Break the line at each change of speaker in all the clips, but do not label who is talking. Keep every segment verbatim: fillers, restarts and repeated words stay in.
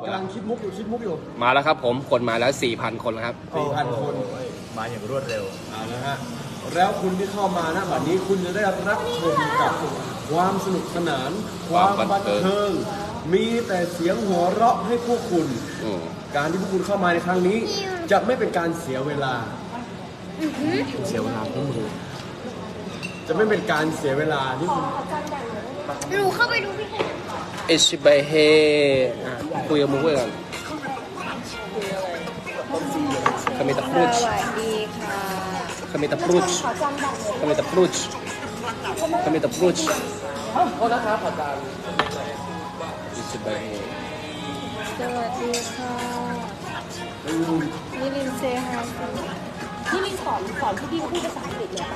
กำลังคิดมุกอยู่คิดมุกอยู่
มาแล้วครับผมคนมาแล้วสี่พันคนครับ
สี่พันคนมาอย่างรวดเร็วเอาละฮะแล้วคุณที่เข้ามานะวันนี้คุณจะได้รับชมกับความสนุกสนานความบันเทิงมีแต่เสียงหัวเราะให้พวกคุณการที่พวกคุณเข้ามาในครั้งนี้จะไม่เป็นการเสียเวลาเสียเวลาพวกมึงจะไม่เป็นการเสียเวลาที่คุณ
หนูเข้าไปดูพี่แคน
เอชิบเฮคุยกับมึงเพื่อนคามิตาพรุช
สวัสดีค่ะ
คามิตาพรุชคามิตาพรุชคามิตาพรุชโทษนะครับอาจารย์เอชิบเฮ
สวัสดีค่ะนิลินเซฮาย
นิลินสอนสอนพี่ดิวพูดภาษาอังกฤษเลย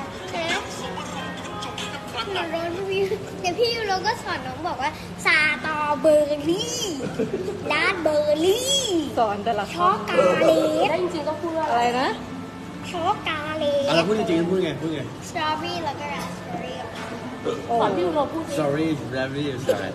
หนูร้อนพี่เดี๋ยวพี่ยูโรก็สอนน้องบอกว่าซาตอเบอร์รี่ลาดเบอร์รี่
สอนแต่ละคำ
ช็อกกาเลต
แล้วจริงๆก็พูดว่า
อะไรนะ
ช็อกกาเลต
อะไรพูดจริงๆพูดไงพูดไง
สตรอเบอรี่แล้วก็ราสเบอร์รี่
สอนพี่ยูโรพูดจริง
sorry raspberry ใช่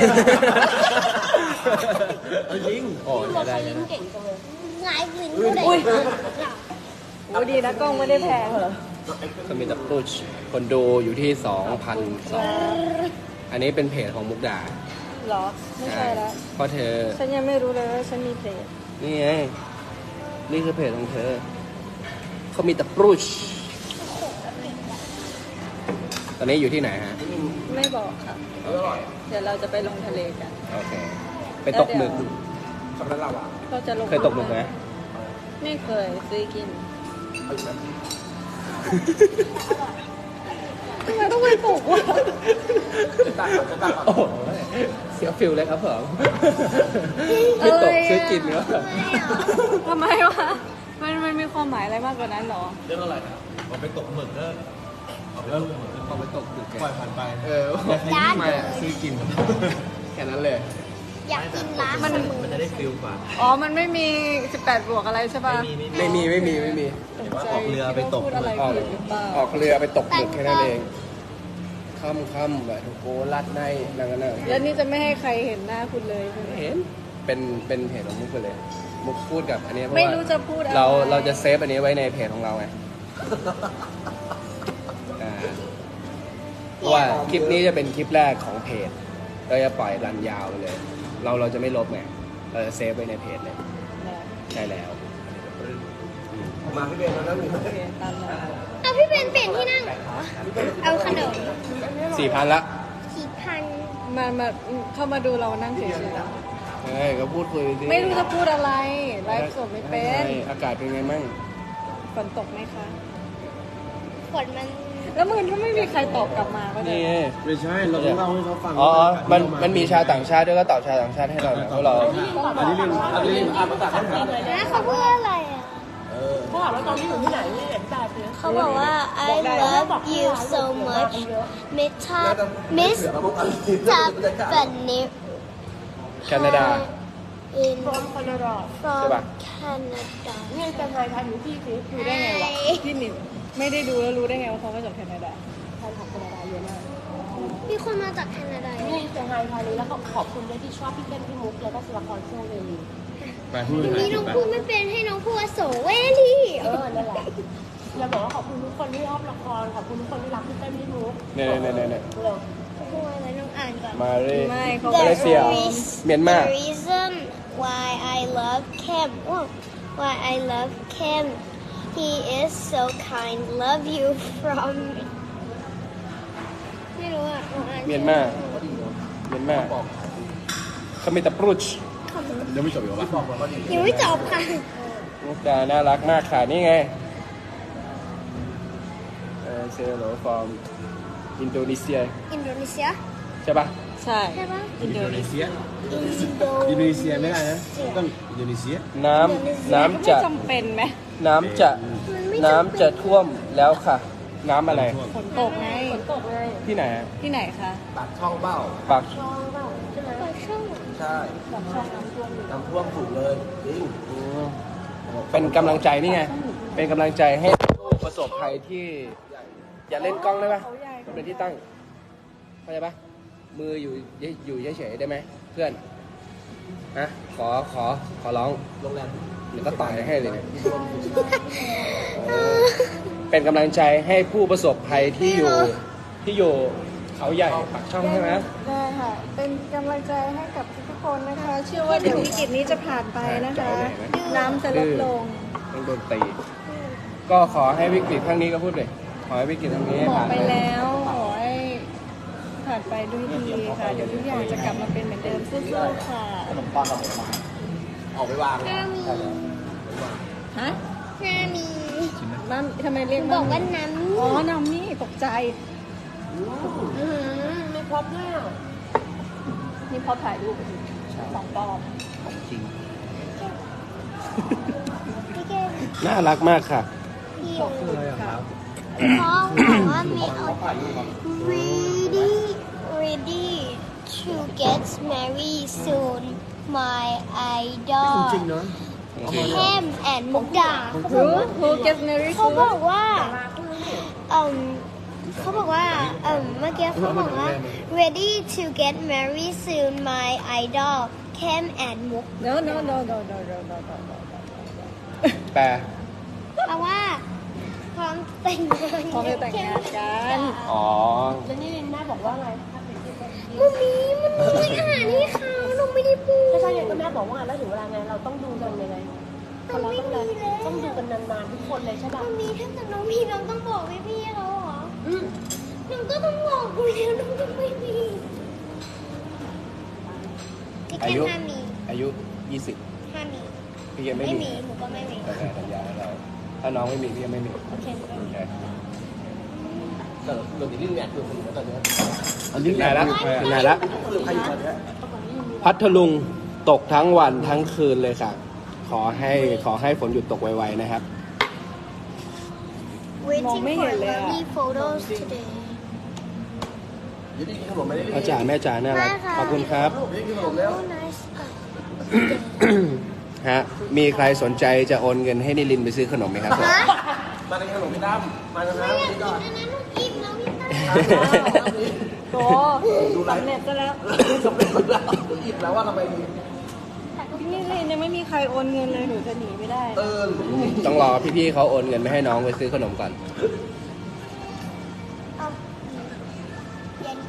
จริง
โอ้ยได้ลิ้นเก่งจังเลย
หลายลิ้นเลย
อุ้ยโอ้ดีนะกล้องไม่ได้แพงเหรอ
คามิตาพรุชคนดูอยู่ที่สองพันสองอันนี้เป็นเพจของมุกดา
หรอไม่ใช่แล้ว
เพราะเธอ
ฉันยังไม่รู้เลยว่าฉันมีเพจ
นี่ไงนี่คือเพจของเธอเขามีตาพรุชตอนนี้อยู่ที่ไหนฮะ
ไม่บอกค่ะเดี๋ยวเราจะไปลงทะเลกัน
โอเคไปตกหมึก
เราจะลง
เคยตกหมึกไหม
ไม่เคยซื้อกินทำไมต้องไปตกวะ
โอ้เสียฟิลเลยครับผมไม่ตกซื้อกินเนาะ
ทำไมวะมันมันมีความหมายอะไรมากกว่านั้นหรอ
เรื่องอะไรนะเอาไปตกหมึกเนอะเอาไปตกหมึกเอาไปตกหมึกปล่อยผ่านไปเออไม่ซื้อกินแค่นั้นเลย
อยากกินร้าน
มันมันจะได้ฟิลกว่า
อ๋อมันไม่มีสิบแปดบวกอะไรใช่ป่ะ
ไม่มีไม่มีไม่มี
ออกเรือไปตก
ออกออกเรือไปตกหมึกแค่นั้นเองค่ำค่ำแบบโกลัดในนั่งกันเลย
แล้วนี่จะไม่ให้ใครเห็นหน้าคุณเลย
เห็นเป็นเป็นเพจของมุกไปเลยมุกพูดกับอันนี้เพราะ
ว่าไม่รู้จะพูดอะไร
เราเราจะเซฟอันนี้ไว้ในเพจของเราไงเพราะว่าคลิปนี้จะเป็นคลิปแรกของเพจเราจะปล่อยรันยาวไปเลยเราเราจะไม่ลบไงเราจะเซฟไว้ในเพจเลยใช่แล้ว
มาพี่เบนมาแล้วหนึ่ง
เอาพี่เบนเปลี่ยนที่นั่งเอาขนม
สี่พันละ
สี่พัน
มามาเข้ามาดูเรานั่งเฉย
ๆเฮ้ยก็พูดคุยสิ
ไม่รู้จะพูดอะไรไลฟ์สดไม่เป็น
อากาศเป็นไงมั่ง
ฝนตกไหมคะ
ฝนมัน
แล้วมึงถ้าไม่มีใครตอบกลับมาก็ได้
ไม่ใช่เราต้องเล่าให้เขาฟัง
อ๋อมันมันมีชาวต่างชาติด้วยก็ตอบชาวต่างชาติให้เราเพราะเรา
อันนี้เรื่องอันนี้เรื่องอ่านภาษาเขาถาม
นะเขาพูดอะไรอ่ะ
เขาถามว่าตอนนี้อยู่ที่ไหนนี่เห็นแบบนี้
เขาบอกว่า I love you so much Miss Miss Tiffany
แคนาดา
in
from Canada
from Canada
นี่จะไทยทายอยู่ที่สิ
รู้ได้ไงวะพี่หนิมไม่ได้ดูแล้วรู้ได้ไงว่าเขามาจากแคนาดา
ไทยของแคนาดาเยอะมาก
มีคนมาจากแคนาดา
นี่จะไทยทายนี้แล้วก็ขอบคุณด้วยที่ชอบพี่เต้นพี่มุกแล้วก็ศิลปกรช่วงเวลี
นี่น้องพูดไม่เป็นให้น้องพูดโสเวลี
เออนั่นแหละเราบอกว่าขอบคุณทุกคนที่ชอบละครขอบคุณทุกคนที่รักพี่เต้นพี่มุก
เนี่ยเนี่ยเนี่ยเนี่ย
เร็ว
พูดอะไรน้องอ่านก่อน
มาเร่
ไม่เขา
มาเลเซียเมียนมา
The reason why I love Kim why I love Kim he is so kind love you from ไม่รู้อ่ะ
เมียนมาเมียนมาคามิตาพรุช
ยังไม่จบอยู่ปะ
ยังไม่จบค่ะ
มุกดาน่ารักมากค่ะนี่ไงเออเซโลฟอร์มอินโดนีเซีย
อินโดนีเซีย
ใช่ปะ
ใช่
ใช่ปะ
อินโดนีเซียอินโดนีเซียไม่ได้นะต้องอินโดนีเซีย
น้ำน้ำจะ
จำเป็นไหม
น้ำจะน้ำจะท่วมแล้วค่ะน้ำอะไร
ฝนตกไง
ฝนตกไง
ที่ไหน
ที่ไหนคะ
ปากช่องเบ้า
ปาก
ช่องเบ้าใช่ไหม
ปากช่อง
ใช่
ปากช่องน้ำท่วม
น้ำท่วมถูกเลยจริง
เป็นกำลังใจนี่ไงเป็นกำลังใจให้ประสบภัยที่อย่าเล่นกล้องได้ปะมันเป็นที่ตั้งเข้าใจปะมืออยู่อยู่เฉยๆได้ไหมเพื่อนนะขอขอขอร้องโรงแรมหรือก็ต่อยให้เลยเนี่ยเออเป็นกำลังใจให้ผู้ประสบภัยที่อยู่ที่อยู่เขาใหญ่ปากช่องใช่ไหม
ได้ค่ะ เป็นกำลังใจให้กับทุกคนนะคะ เชื่อว่าเดี๋ยววิกฤตนี้จะผ่านไปนะคะ น้ำจะลดลง
ต้องโดนตีก็ขอให้วิกฤตครั้งนี้ก็พูดเลยขอให้วิกฤตครั้งนี้
บอก
ผ่าน
ไป
ไป
แล้วขอให้ผ่านไปด้วยดีค่ะ เดี๋ยวทุกอย่างจะกลับมาเป็นเหมือนเดิมสู้ๆค่ะ
ออกไปวาง
หน้ามี
ฮะ
หน้ามี
น้ำทำไมเรียก
บอกว่า
น้ำ
น้ำ
อ๋อ น้ำนี่ตกใจ
อืมไม่ครบด้วยอ่ะ
นี่พอถ่ายรูปสองปลอม
ของจริง
พี่เกม
น่ารักมากค่ะ
พี่พ่อบอกว่ามีเอา ready ready to get married soon my idol
จริงเนาะ
แฮมแอนมุกดา
Who Who gets married
เขา
soon
บอกว่าเอ่มเขาบอกว่าเอ่มเมื่อกี้เขาบอกว่า ready to get married soon my idol แคมแอนมุก
No no no no no no no no no
แปล
แปลว่าพร้อมแต่งงาน
พร้อมจะแต่งงานกัน
อ๋อ
แล้วนี่แม่บอกว่าไง
มันมีมันมีอาหารให้เขาเราไม่ได้พูด
ไม่ใช่ไงก็แม่บอกว่าแล้วถึงเวลาไงเราต้องดูกันยังไง
เราไม่มีแล้ว
ต้องดูกันนานๆทุกคนเลยใช่ป่ะ
มันมีถ้าเกิดน้องมีน้องต้องบอกพี่พี่ๆเขาเหรอน้องก็ต้องบอกกูแล้วน้องก็ไม่มีพี่แค่
อายุ
ห้ามี
อายุยี่สิบ
ห้ามี
พี่ยังไม่
ไม่
มี
มีหนูก็ไม่มี
โอเคสัญญาให้เราถ้าน้องไม่มีพี่ยังไม่มี
โอเค
โอเค
แต่เราติดเรื่องแหนกอยู่คนตอนนี้
อันนี้ไหนละไหนละพัทลุงตกทั้งวันทั้งคืนเลยค่ะ ขอให้ขอให้ฝนหยุดตกไวๆนะครับ
waiting
มองไม่เห็
for
นเลยอะ
lovely photos today
พ่อจ๋าแม่จ๋าน่ารักขอบคุณครับ
oh nice
ฮะ มีใครสนใจจะโอนเงินให้นิลินไปซื้อขนมไหมครับ
ฮะ
มาในขนมพี่ตั้มมาแล้วนะ
ไม่อยากกินอันนั้นหนูอิ่มแล้วพี่ตั้ม
โตสำเร็จซะแล้ว
สำเร็จแล้วอิ่มแล้วว่าทำไม
พี่นี่เลยยังไม่มีใครโอนเงินเลยหนูจะหนีไม่ได้
เออ
ต้องรอพี่ๆเขาโอนเงินไปให้น้องไปซื้อขนมก่อน
เอาเย็น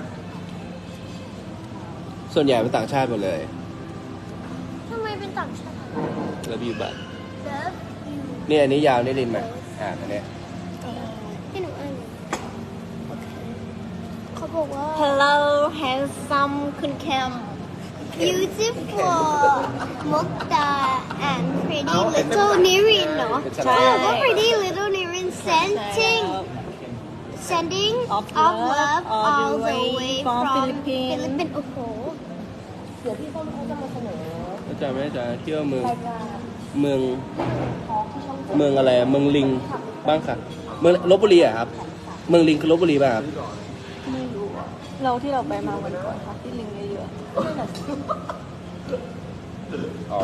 ส่วนใหญ่เป็นต่างชาติหมดเลย
ทำไมเป็นต่างชาติ
แล้วบิวบัต
Love you
นี่อันนี้ยาวนิลินไหมอ่าอันเนี้ย
ให้หนูอ่านโอเคเขาบอกว่า Hello handsome คุณแคม beautiful มุกดา and pretty little Nirin เนาะ
ใช่
เขาบอกว่า pretty little Nirin sending sending of love all the way from Philippines โอ้โห
เดี๋ยวพี่ต้นเขาจะมาเสนอ
เข้าใจไหมจ๊ะเที่ยวเมือง
รายการ
เมือง
ทองที่ช่อง
เมืองอะไรอะเมืองลิงบ้างค่ะ เมืองลบบุรีอะครับ เมืองลิงคือลบบุรีป่ะครับ
ไม่รู้อะเราที่เราไปมาวันก่อนค่ะที่ลิงเยอะ
อ๋อ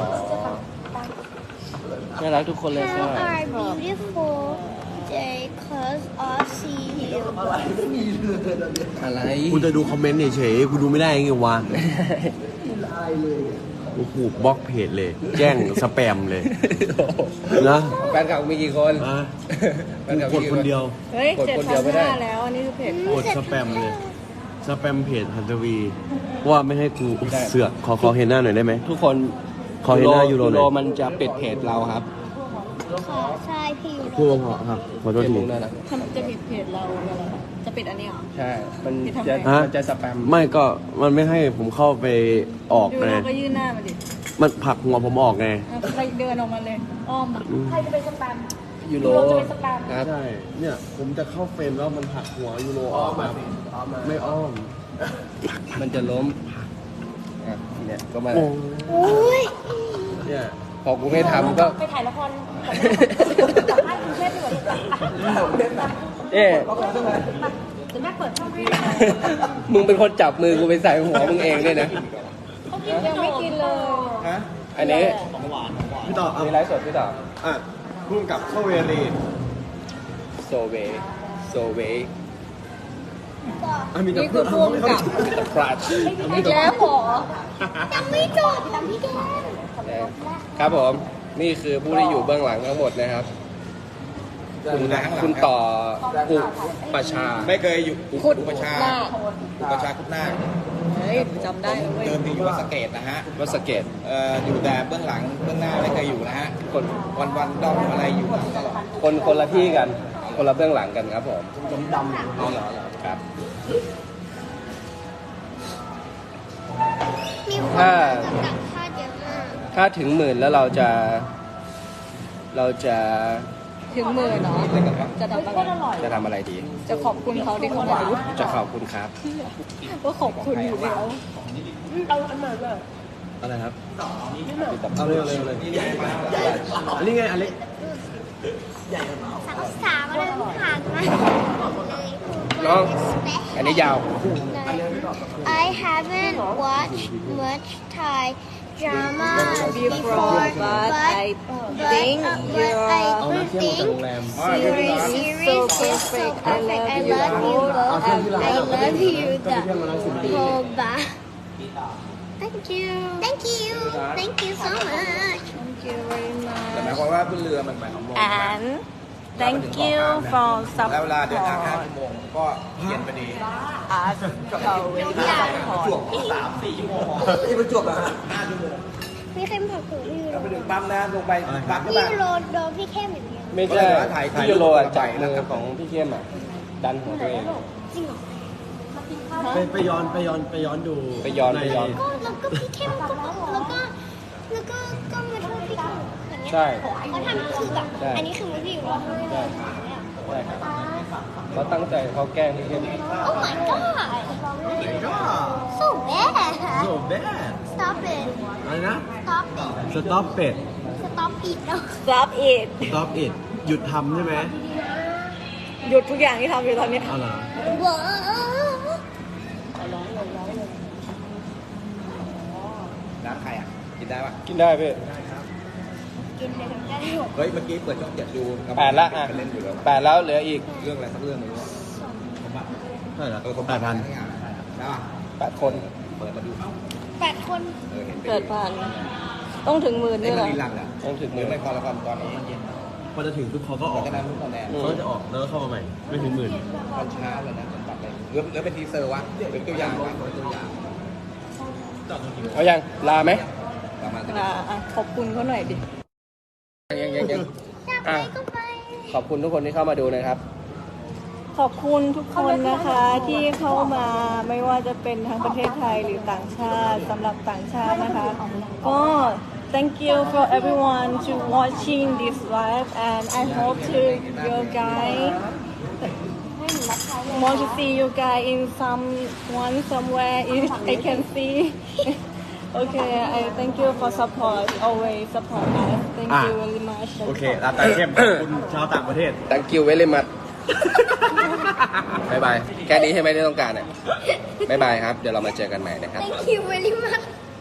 น่ารักทุกคนเลยค่ะ
How are beautiful day cause of see you
อะไร
กูจะดูคอมเมนต์เฉยๆกูดูไม่ได้ไงวะโอ้โหบล็อกเพจเลย แจ้งสแปมเลยนะ
แฟนคลับมีกี่คน
อ่ะ
แฟนคลับ
กู
มี
กด
กี่
คนเดียว
ๆเฮ้ย
กด
เจ็ด
คน
พั
เดีย
น
วไม่ได้
ห้าแล้ว อันนี้คือเพจ
กดสแปมเลย สแปมเพจฮันทวี ว่าไม่ให้กูเสือกขอขอเห็นหน้าหน่อยได้ไหม
ทุกคน
ขอเห็นหน้ายูโรหน่อย
ยูโรมันจะปิดเพจเราครับ
ค่ะใช่พี่อยู่
พูดเพราะๆครับขอโทษ
เพจ
ที
มึงนั่นแหละ
ทำจะปิดเพจเราเหรอจะปิดอันนี้เหรอ
ใช่ มัน
ปิดทำไม
จะ
ฮะ
มันจะสแปม
ไม่ก็มันไม่ให้ผมเข้าไปออก
ดู
ไง
เราก็ยื่นหน้ามาดิ
มันผลักหัวผมออกไง
เอาใครเดินออกมาเลย อ้อมอะ
ใครจะไปสแปม
ยูโร
ยูโรจะไปสแปม
ครับ
ใช่ เนี่ยผมจะเข้าเฟรมแล้วมันผลักหัวยูโรออกแบบไม่อ้อม
มันจะล้มอ่ะเนี่ยก็มา
โอ้
โอ้ย
เนี่ย
พอกูไม่ทำก็
ไปถ่ายละครกับแม่กับบ้านกรุงเทพดีกว่าลูก
เอ๊ะ
เดี๋ยวแม่เปิดช่องให้
มึงเป็นคนจับมือกูไปใส่หัวมึงเองด้วยนะ
ยังไม่กินเลย
ฮะ
อันนี้
พี่ต่อเอา
มีไลฟ์สดพี่ต่อ
อ่ะพุ่งกับเข้าเวรี
โซเวโซเว
อ่ะมีแต่
นี่
เพื่
คือ อน พ่วงกับ
พลาด
อีกแล้วเหรอ
ยังไม่จบตามพี่แก้ม
ครับผม นี่คือผู้ที่อยู่เบื้องหลังทั้งหมดนะครับ คุณคุณต่ออุปชา
ไม่เคยอยู่
ขุด
อุปชา
หน้า
อุปชาคุดนาค
เฮ้ยจำได้เลยเว้ย
เดิมทีอยู่วัดสะเกตนะฮะ
วัดสะเกต
เอ่ออยู่แต่เบื้องหลังเบื้องหน้าไม่เคยอยู่นะฮะ
คน
วันวันๆด้อมอะไรอยู่หลังตลอด
คนคนละที่กัน คนละเบื้องหลังกันครับผม
เอาเหรอเหรอ
ครับ
มีคน
ถ้า
มาจากต่างชาติเยอะมาก
ถ้าถึงหมื่นแล้วเราจะ เราจะ
ถึงหมื่นเนาะจะทำอะไร
จะทำอะไรดี
จะขอบคุณเขาที่เขามา
จะขอบคุณครับ
ว่าขอบคุณอยู่แล้ว
เอาอันไหนเลย
อะไรครับเอาเร็วเร็วเลยอันนี้ไงอเล็ก
สาวสาวอะไรผ่านมาเลย
น้อง อันนี้ยาว
I haven't watched much Thai drama before
but I
but
think
but
your
I
เอาน้ำเที่ยวมาจากโรงแรม
series series is so perfect. I love you both. I love you the whole bar. Thank you. Thank you. Thank you so much.
Thank you very
แต่หมาย
much
ความว่าขึ้นเรือมันหมายความว่า
and thank you for
แล้วเวลาเดินทางห้า
support
ชั่วโมงก็เย็นพอดี
us so we support
สามสี่ชั่วโมงนี่ประจวบเหรอฮะห้าชั่วโมง
พี่เข้มผักผืนพี่
แล้วไปถึงปั๊มนะลงไปปั๊มก็
พี่
ได้
โรโดนพี่เข้มอย่างเดียว
ไม่ใช่
ถ่ายถ่าย
พี่ยูโรอะ
รูป
จับ
แล้
มื
ว
อ
ก็
ของพี่เข้มอ่ะ ดันของตัวเอง
จริงเหรอ
ไปไปย้อนไปย้อนไปย้อนดู
ไปย้อน
ใน
ไปย้อน
ก็แล้วก็พี่เข้มก็แล้วก็แล้วก็ก็มาโทษพี่เข้มอย่างเงี้ย
ใช่
เขาทำคือแบบ
ใช่
อันนี้คือมือพี่อยู่แล้ว
ใช่ใช่ครับเขาตั้งใจเขาแกล้งพี่เข้ม
โอ้ my god so bad
so bad
stop it
อะไรนะ
stop it
stop เป็ด
stop it เนาะ
stop it
stop it หยุดทำใช่ไหม
หยุดทุกอย่างที่ทำอยู่ตอนนี้
เอาเหรอ
ว้าว
น้ำใครอ่ะ กินได้ปะ
กินได้พี่
กินไปทั้งได้หมด
เฮ้ย เมื่อกี้เปิดช่องเจ็ดดู
แปดละอ่ะ
ไปเล่นอยู่แล้ว
แปดแล้วเหลืออีก
เรื่องอะไรสักเรื่องหนึงวะ
เท่าไหร่ละ
เออผม
แปดพัน
ได้ปะ
แปดคน
เปิดมาดูเอ้า
แปดคน
เออเห็น
เกิดผ่าน ต้องถึงหมื่น
นี่
ด้วย
มั
เหรอ
นรีลันอ่ะ
ต้องถึง
ห
ห
รื
มื่
อน ไม่พอละครตอนนี้มันเย็น
พอจะถึงปุ๊บเขาก็อ
หลั
อง ก
จากนั้นทุกคะแนน
เขาจะออกแล้วก็เข้ามาใหม่ ไม่ถึงหมื่น
ตอนเช้าเลยนะผมตัดเลยหรือหรือเป็นทีเซอร์วะหรือตัวอย่างวะหรือตัวอย่าง
เอายัง ลาไหม
ประมาณนั้น
อ่ะอ่ะขอบคุณเขาหน่อยดิ
ยังยังยัง
อยากไป
อ่ะ
ก็ไป
ขอบคุณทุกคนที่เข้ามาดูนะครับ
ขอบคุณทุกคนนะคะที่เข้ามาไม่ว่าจะเป็นทั้งประเทศไทยหรือต่างชาติสำหรับต่างชาตินะคะ ก็ thank you for everyone to watching this live and I hope to you guys want to see you guys in someone somewhere if I can see okay I thank you for support always support us thank you very much
โอเคลาตาเข้มขอบคุณชาวต่างประเทศ
thank you very much บายบาย แค่นี้ใช่ไหมที่ต้องการอ่ะบายบายครับ เดี๋ยวเรามาเจอกันใหม่นะครับ
thank you very much